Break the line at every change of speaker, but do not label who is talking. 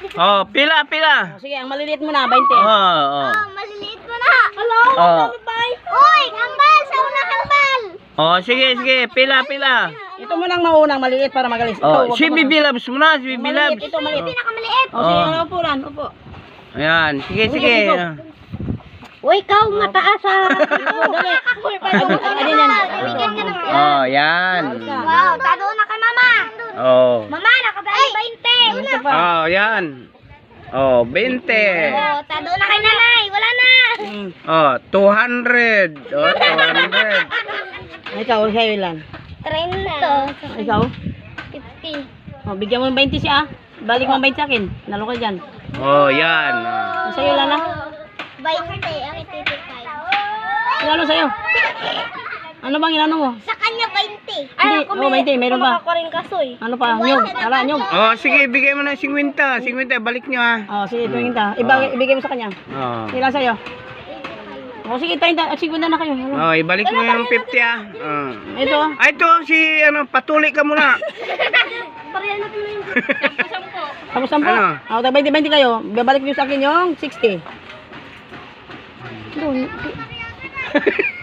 Oh, pila, pila.
Sige, ang maliliit mo na, 20.
Oh.
Maliliit mo na. Hello?
Oh.
Uy, kambal! Sa unang kambal!
Oh, sige, sige. Pila, pila.
Ito mo nang maunang maliit para magalis.
Oh, si Bibilabs muna, si Bibilabs.
Ito maliit.
Pinakamaliit.
Oh, sige,
Oh.
upo lang, upo.
Ayan, sige, sige.
Uy, ikaw mataas ah.
Dali. Ano yan?
Bigyan ka ng
Oh, yan.
Wow, tado na kay mama.
Oh.
Mama, nakadali 20.
Ito pa.
Oh, yan. Oh, 20.
Oh, tado na kay nanay. Wala na.
Oh, 200. Oh, 200.
Ikaw, sa'yo ilan?
30.
Ikaw?
50.
Oh, bigyan mo ng 20 siya. Balik mo ang 20 sa akin. Nalo ka dyan.
Oh, yan. Oh.
Sa'yo ilan na?
20. Ang ititipay.
Ilano sa'yo? Ano bang ilano mo?
Sa kanya 20.
Hindi, oh, 20, meron pa.
Ako rin kasoy.
Ano pa? Nyog. Ala, nyog.
Oh, sige, bigay mo ng 50. 50, balik nyo ah.
Oh, sige, 20. Ibigay mo sa kanya.
Oh.
Ilan sa'yo? Oh, sige, 30. 50 na kayo. Ano?
Oh, ibalik mo yung 50 ah. Oh.
Ito.
Ay, ito si ano, patuli ka muna.
Pareha na tuloy yung
Sampo.
Ano?
Oh, 20 kayo. Babalik niyo sa akin yung 60. Doon.